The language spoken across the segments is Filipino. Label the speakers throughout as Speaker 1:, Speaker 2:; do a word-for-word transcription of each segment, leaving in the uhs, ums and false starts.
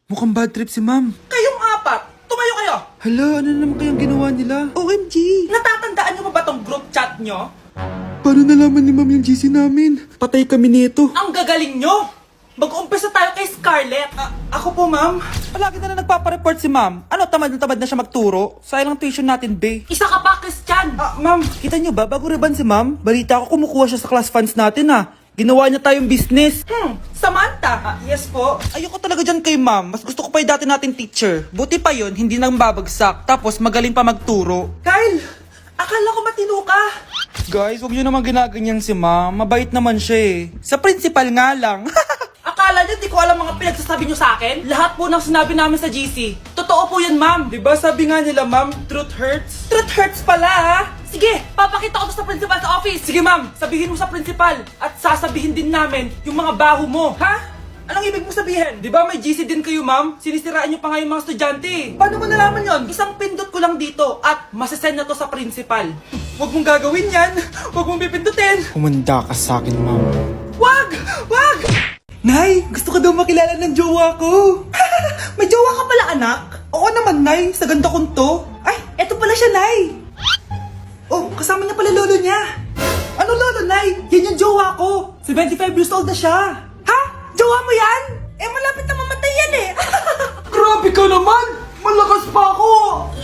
Speaker 1: Mukhang bad trip si ma'am.
Speaker 2: Kayong apat, tumayo kayo!
Speaker 1: Hala, ano na naman kayang ginawa nila?
Speaker 2: O M G! Natatandaan niyo ba ba tong group chat niyo?
Speaker 1: Paano nalaman ni ma'am yung G C namin? Patay kami nito.
Speaker 2: Ang gagaling nyo! Mag-uumpisa tayo kay Scarlett. Ah, ako po, ma'am. Palagi na lang nagpapareport si ma'am. Ano, tamad na tamad na siya magturo? Sayang lang tuition natin, be. Isa ka pa, Christian! Ah, ma'am, kita niyo ba, bago reban si ma'am, balita ko kumukuha siya sa class funds natin, ha? Ginawa niya tayong business. Hmm, Samantha. Ah, yes po. Ayoko talaga dyan kay ma'am. Mas gusto ko pa yung dati nating teacher. Buti pa yun, hindi nang babagsak. Tapos magaling pa magturo. Kyle! Akala ko matino ka. Guys, huwag niyo naman ginaganyan si ma'am. Mabait naman siya eh. Sa principal nga lang. Akala niyo di ko alam mga pinagsasabi niyo sa akin? Lahat po ng sinabi namin sa G C. Totoo po yan, ma'am. Diba sabi nga nila, ma'am, truth hurts? Truth hurts pala, ha? Sige, papakita ko to sa principal sa office. Sige, ma'am, sabihin mo sa principal. At sasabihin din namin yung mga baho mo. Ha? Anong ibig mo sabihin? Di ba may G C din kayo, ma'am? Sinisiraan niyo pa nga yung mga estudyante. Paano mo nalaman yon? Isang pindot ko lang dito at masasend na to sa principal. Huwag mong gagawin yan. Huwag mong pipindutin.
Speaker 1: Humanda ka sa akin, ma'am.
Speaker 2: Wag! Wag! Nay, gusto ko daw makilala ng jowa ko. May jowa ka pala, anak? Oo naman, Nay. Sa ganda kong to. Ay, eto pala siya, Nay. Oh, kasama niya pala lolo niya. Ano lolo, Nay? Yan yung jowa ko. seventy-five years old na siya. Ha? Jowa mo yan? Eh, malapit na mamatay yan eh. Grabe ka naman! Malakas pa ako!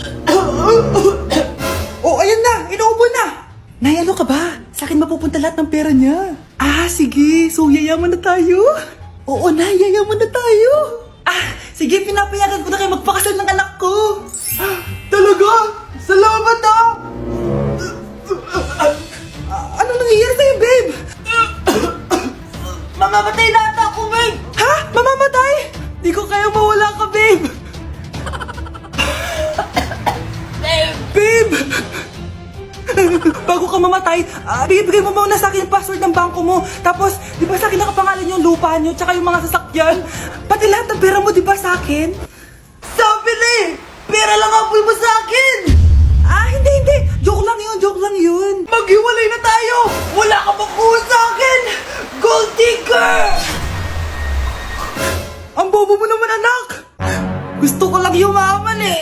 Speaker 2: Oh, ayan na! Inuubo na! Nay, ano ka ba? Sa akin mapupunta lahat ng pera niya. Ah, sige. So, yayaman na tayo? Oo, Nay. Yayaman na tayo. Ah, sige. Pinapayagan ko na kayo magpakasal ng anak ko. Talaga? Salamat ah! Ano nangyayari sa'yo, babe? Mamamatay na ata ako, babe! Ha? Mamamatay? Di ko kaya mawala ka, babe! Babe! Bago ka mamatay, uh, bigay-bigay mo muna sa akin yung password ng bangko mo. Tapos, di ba sa akin nakapangalan yung lupa nyo, tsaka yung mga sasakyan? Pati lahat ng pera mo, di ba sa akin? Sabi na eh! Pera lang ang apoy mo sa akin! Ah, hindi, hindi! Joke lang yun, joke lang yun! Maghiwalay na tayo! Wala ka makuha sa akin! Gold digger! Ang bobo mo naman, anak! Gusto ko lang yumaman eh!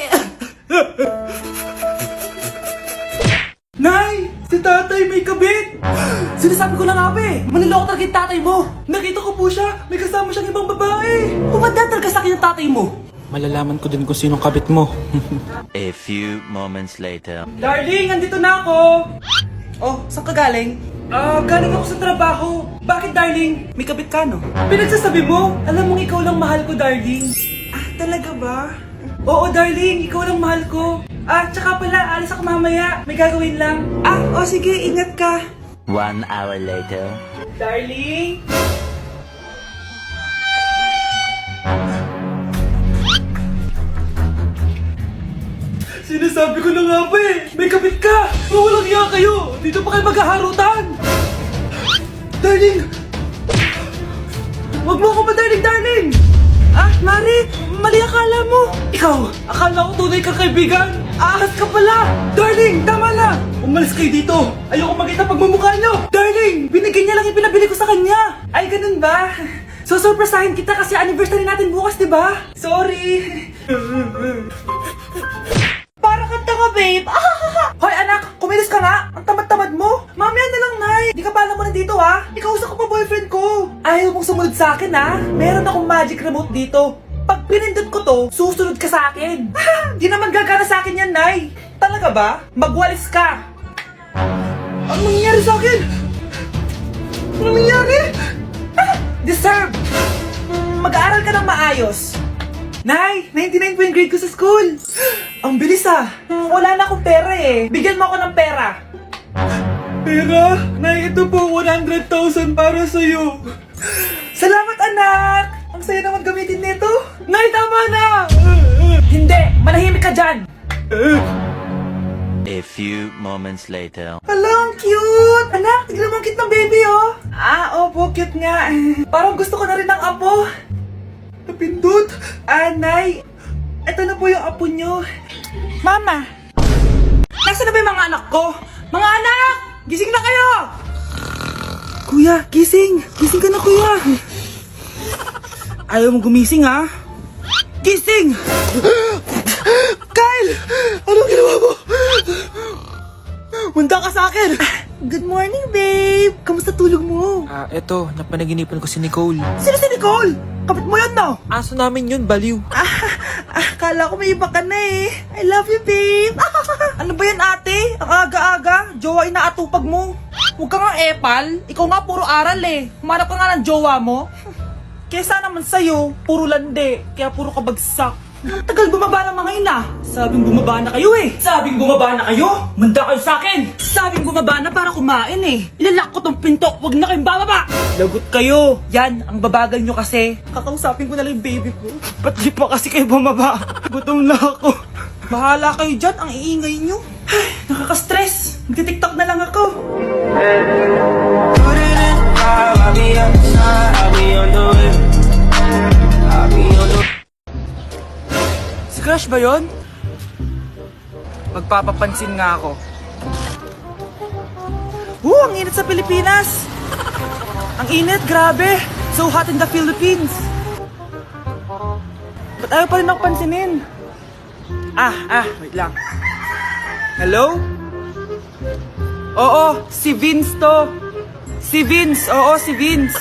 Speaker 2: Nay! Si tatay may kabit! Sinasabi ko na nga ba eh! Maniloko talaga yung tatay mo! Nakita ko po siya! May kasama siyang ibang babae! Pumadaan talaga sa akin yung tatay mo!
Speaker 1: Malalaman ko din kung sinong kabit mo.
Speaker 3: A few moments later.
Speaker 2: Darling, andito na ako! Oh, saan ka galing? Ah, galing ako sa trabaho. Bakit, darling? May kabit ka, no? Pinagsasabi mo? Alam mong ikaw lang mahal ko, darling. Ah, talaga ba? Oo, darling. Ikaw lang mahal ko. Ah, tsaka pala, alis ako mamaya. May gagawin lang. Ah, oh sige. Ingat ka.
Speaker 3: One hour later.
Speaker 2: Darling? Sinasabi ko na nga ba eh! May kabit ka! Mawalang iya kayo! Dito pa kayo maghaharutan! Darling! Huwag mo ako ba, darling, darling! Ah, Mari! Mali akala mo! Ikaw! Akala ko tunay kang kaibigan! Ahas ka pala! Darling! Tama na! Umalis kayo dito! Ayoko makita pagmumukha nyo! Darling! Binigyan niya lang yung pinabili ko sa kanya! Ay, ganun ba? So, surpresahin kita kasi anniversary natin bukas, di ba? Sorry! Para kang tanga, babe! Hoy, anak! Kumilos ka nga! Ang tamad-tamad mo! Mamaya na lang, Nay! Di ka pala mo nandito, ha? Ikausap ko pa boyfriend ko! Ayaw mong sumunod sa akin, ha? Meron akong magic remote dito. Pag pinindot ko to, susunod ka sa akin. Di naman gagana sa akin yan, Nay! Talaga ba? Magwalis ka! Ano nangyayari sa akin? Ano nangyayari? Ah! Deserve! Mm, Mag-aaral ka ng maayos. Nay, ninety-nine po yung grade ko sa school. Ang bilis ah. Hmm, wala na akong pera eh. Bigyan mo ako ng pera. Pera? Nay, ito po one hundred thousand para sa'yo. Salamat, anak. Ang saya naman gamitin nito. Nay, tama na. Hindi, manahimik ka dyan.
Speaker 3: A few moments later.
Speaker 2: Hala, ang cute! Anak, tignan mo ang cute ng baby, oh! Ah, opo, cute nga. Parang gusto ko na rin ng apo. Napindot! Ah, Nay, ito na po yung apo nyo. Mama! Nasaan na ba yung mga anak ko? Mga anak! Gising na kayo! Kuya, gising! Gising ka na, kuya! Ayaw mo gumising, ha? gising! Kyle! Anong ginawa mo? Manda ka sa akin!
Speaker 4: Good morning, babe! Kamusta tulog mo?
Speaker 2: Ah, eto, napanaginipan ko si Nicole.
Speaker 4: Sino si Nicole? Kapit mo yan, no?
Speaker 2: Aso namin yun, baliw.
Speaker 4: Ah, ah, kala ko may iba ka na eh. I love you, babe!
Speaker 2: Ano ba yan, ate? Ang aga-aga, jowa inaatupag mo. Huwag ka nga epal, ikaw nga puro aral eh. Humanap ka nga ng jowa mo. Kesa naman sa'yo, puro lande, kaya puro kabagsak. Ang tagal bumaba ng mga ina. Sabing bumaba na kayo eh. Sabing bumaba na kayo. Manda kayo sa akin. Sabing bumaba na para kumain eh. Ilalak ko tong pinto. Huwag na kayong bababa. Lagot kayo. Yan, ang babagal nyo kasi. Kakausapin ko na lang yung baby ko. Ba't di pa kasi kayo bumaba? Gutom na ako. Bahala kayo dyan. Ang iingay nyo. Ay, nakaka-stress. Magti-tiktok na lang ako.
Speaker 5: Put it in five, I'll be on the side, I'll be on the way. I'll be on the
Speaker 2: Si Crush ba yun? Magpapapansin nga ako. Woo, ang init sa Pilipinas! Ang init, grabe! So hot in the Philippines! Ba't ayaw pa rin ako pansinin? Ah, ah, wait lang. Hello? Oo, si Vince to. Si Vince, oo, si Vince.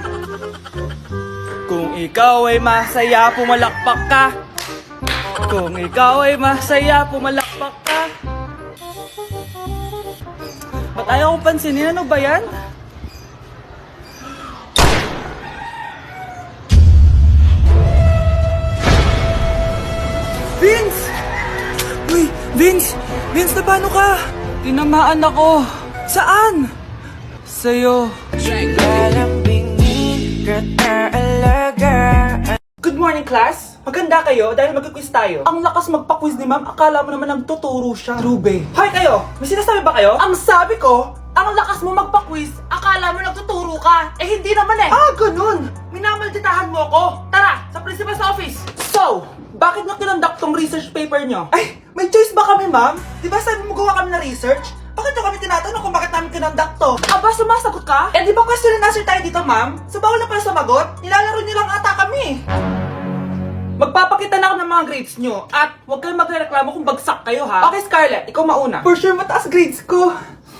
Speaker 2: Kung ikaw ay masaya, pumalakpak ka. Kung ikaw ay masaya, pumalakpak ka. Ba't ayaw kong pansinin? Ano ba yan? Vince! Uy, Vince! Vince, na paano ka? Tinamaan ako. Saan? Sa'yo. Good morning, class! Maganda kayo dahil mag-quiz tayo. Ang lakas magpa-quiz ni ma'am, akala mo naman nagtuturo siya. True, babe. Hoy kayo! May sinasabi ba kayo? Ang sabi ko, ang lakas mo magpa-quiz, akala mo nagtuturo ka. Eh hindi naman eh. Ah, ganun! Minamalditahan mo ako. Tara, sa principal's office. So, bakit nyo kinonduct tong research paper nyo? Ay, may choice ba kami, ma'am? Di ba sabi mo gawa kami na research? Bakit nyo kami tinatanong kung bakit namin kinonduct to? Aba, sumasagot ka? Eh di ba question and answer tayo dito, ma'am? So bawal na pala sumagot? Nilalaro nyo lang ata kami. Magpapakita na ako ng mga grades nyo at huwag kayong magreklamo kung bagsak kayo, ha? Okay, Scarlett, ikaw mauna. For sure, mataas grades ko.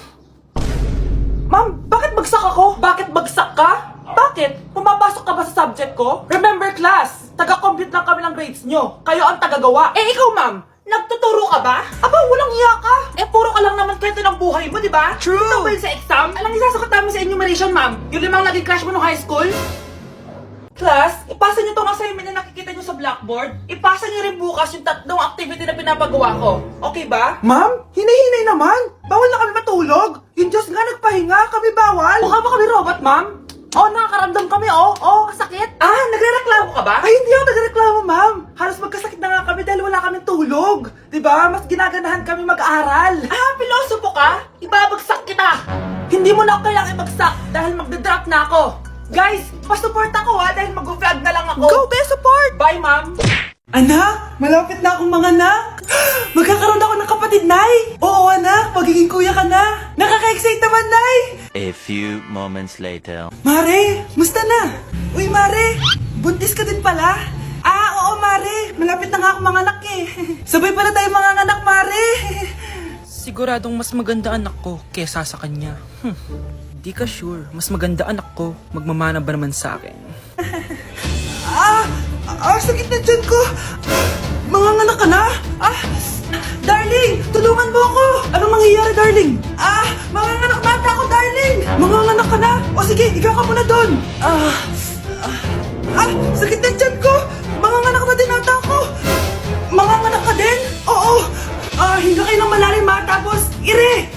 Speaker 2: Ma'am, bakit bagsak ako? Bakit bagsak ka? Bakit? Pumapasok ka ba sa subject ko? Remember, class, taga-compute lang kami ng grades nyo. Kayo ang tagagawa. Eh, ikaw, ma'am, nagtuturo ka ba? Aba, walang iya ka. Eh, puro ka lang naman kwento ng buhay mo, di ba? True. Ito ba yun sa exam? Alang isasagot namin sa enumeration, ma'am? Yung limang naging crush mo nung high school? Class, ipasa nyo tong assignment na nakikita nyo sa blackboard. Ipasa nyo rin bukas yung tatlong activity na pinapagawa ko. Okay ba? Ma'am, hinay-hinay naman. Bawal na kami matulog. Yung Diyos nga nagpahinga, kami bawal. Mukha ba kami robot, ma'am? Oo, oh, nakakaramdam kami, oh. Oo, oh, kasakit. Ah, nagrereklamo ka ba? Ay, hindi ako nagrereklamo, ma'am. Halos magkasakit na nga kami dahil wala kaming tulog. Diba? Mas ginaganahan kami mag-aral. Ah, pilosopo ka? Ibabagsak kita. Hindi mo na ako kailangan ibagsak dahil magdadrop na ako. Guys, pa-support ako ha dahil mag-vlog na lang ako. Go, be support! Bye, ma'am! Anak, malapit na akong mga anak. Magkakaroon ako ng kapatid, Nay. Oo, anak, magiging kuya ka na. Nakaka-excite naman, Nay.
Speaker 3: A few moments later.
Speaker 2: Mare, musta na? Uy, Mare, buntis ka din pala? Ah, oo, Mare. Malapit na nga akong mga anak eh. Sabay pala tayo mga anak, Mare. Siguradong mas maganda anak ko kesa sa kanya. Hmm. Di ka sure. Mas maganda anak ko. Magmamana ba naman sa akin? ah! Ah! Sakit na dyan ko! Manganganak ka na? Ah! Darling! Tulungan mo ako! Anong mangyayari, darling? Ah! Manganganak na ako, darling! Manganganak ka na? O sige, ikaw ka muna doon! Ah! Ah! Ah! Sakit na dyan ko! Manganganak na din ata ako! Manganganak ka din? Oo! Ah! Hinga kayo ng malalim ha, tapos ire!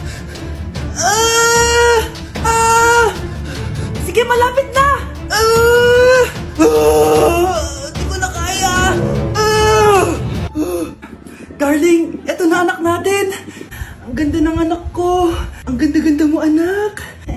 Speaker 2: Ah! Ah! Sige, malapit na! Ah! Ah! Di ko na kaya! Ah! Ah! Darling, eto na anak natin! Ang ganda ng anak ko! Ang ganda-ganda mo, anak!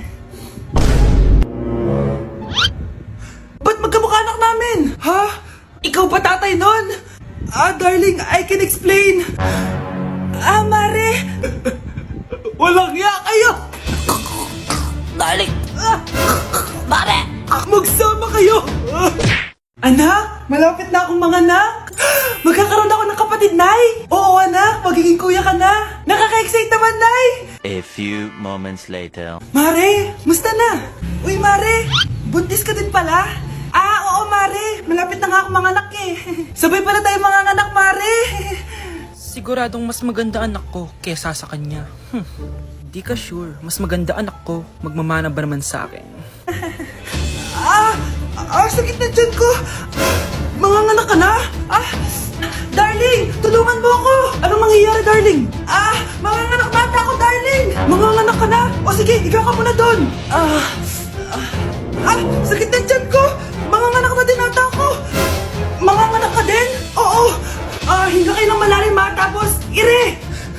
Speaker 2: Ba't magkamukha anak namin? Ha? Ikaw ba tatay nun? Ah, darling, I can explain! Ah, Mare! Walang iya kayo!
Speaker 4: Darling! Mare!
Speaker 2: Magsama kayo! Anak, malapit na akong mga anak!
Speaker 4: magiging kuya ka na. Nakaka-excite naman, Nay.
Speaker 3: A few moments later.
Speaker 4: Mare, musta na? Uy, Mare, buntis ka din pala? Ah, oo, Mare. Malapit na nga ako manganak eh. Sabay pala tayo manganganak, Mare.
Speaker 2: Siguradong mas maganda anak ko kesa sa kanya. Hmm. Di ka sure. Mas maganda anak ko. Magmamana ba naman sa akin?
Speaker 4: Ah, ah, sakit na dyan ko. Manganganak ka na? Ah, darling, tulungan mo ako. Anong mangyayari, darling? Ah, manganganak na ata ako, darling. Manganganak ka na? O sige, ikaw ka muna doon. Ah, ah, ah, sakit na dyan ko. Manganganak na din ata ako. Manganganak ka din? Oo. Ah, hinga kayo ng malalim ha, tapos, ire.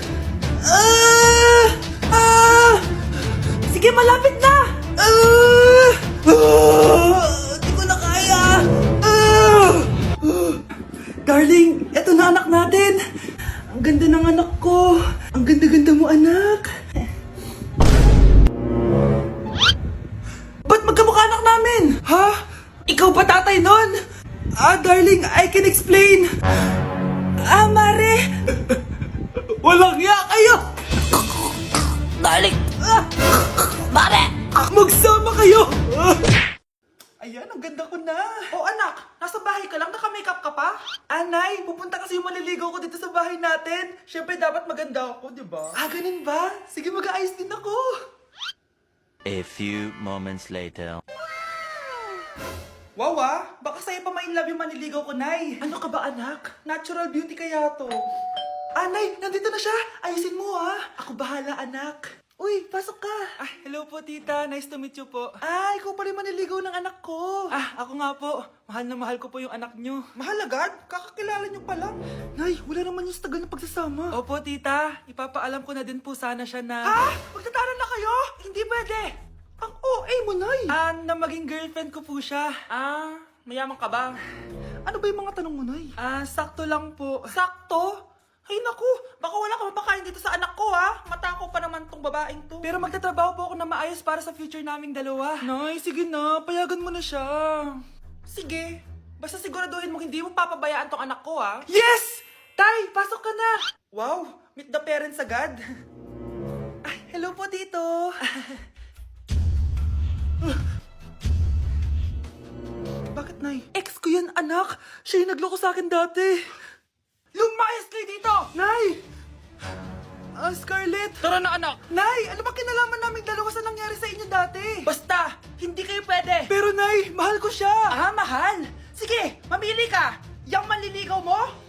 Speaker 4: Ah, ah, sige, malapit na. Ah, ah, di ko na kaya. Ah, ah. Darling, eto na anak natin. Ang ganda ng anak ko. Ang ganda-ganda mo, anak. Ba't magkamukha anak namin? Ha? Ikaw ba tatay nun? Ah, darling, I can explain. Ah, Mare. Walang hiya kayo. Darling. Ah, Mare. Magsama kayo. Ah. Ayan, ang ganda ko na.
Speaker 2: Oh anak, nasa bahay ka lang? Naka-makeup ka pa?
Speaker 4: Anay, pupunta kasi yung maliligaw ko dito sa bahay natin. Siyempre, dapat maganda ako, di ba? Ah, ganun ba? Sige, mag-aayos din ako.
Speaker 3: A few moments later.
Speaker 2: Wow ah, baka sa'yo pa ma-inlove yung maniligaw ko, Nay.
Speaker 4: Ano ka ba, anak?
Speaker 2: Natural beauty kaya to.
Speaker 4: Anay, nandito na siya. Ayusin mo, ha? Ako bahala, anak. Uy, pasok ka.
Speaker 2: Ah, hello po tita, nice to meet you po.
Speaker 4: Ah, ikaw pa rin maniligaw ng anak ko.
Speaker 2: Ah, ako nga po. Mahal na mahal ko po yung anak nyo.
Speaker 4: Mahal agad? Kakakilala niyo pa lang. Nay, wala naman yung tagal ng pagsasama.
Speaker 2: Opo tita, ipapaalam ko na din po sana siya na...
Speaker 4: Ha? Magtatanan na kayo? Hindi pwede. Ang O A mo, Nay.
Speaker 2: Ah, na maging girlfriend ko po siya. Ah, mayaman ka ba?
Speaker 4: Ano ba yung mga tanong mo, Nay?
Speaker 2: Ah, sakto lang po.
Speaker 4: Sakto? Ay naku, baka wala ka mapakain dito sa anak ko, ha? Matako pa naman tong babaeng to.
Speaker 2: Pero magtatrabaho po ako na maayos para sa future naming dalawa.
Speaker 4: Nay, sige na, payagan mo na siya.
Speaker 2: Sige, basta siguraduhin mo hindi mo papabayaan tong anak ko, ha?
Speaker 4: Yes!
Speaker 2: Tay, pasok ka na!
Speaker 4: Wow, meet the parents agad.
Speaker 2: Ay, hello po, tito!
Speaker 4: Bakit, Nay?
Speaker 2: Ex ko yan, anak! Siya yung nagloko sa akin dati!
Speaker 4: Lumayas kayo dito!
Speaker 2: Nay! Ah, Scarlett!
Speaker 4: Tara na, anak!
Speaker 2: Nay, ano ba kinalaman naming dalawa sa nangyari sa inyo dati?
Speaker 4: Basta, hindi kayo pwede!
Speaker 2: Pero Nay, mahal ko siya!
Speaker 4: Ah, mahal! Sige, mamili ka! Yang manliligaw mo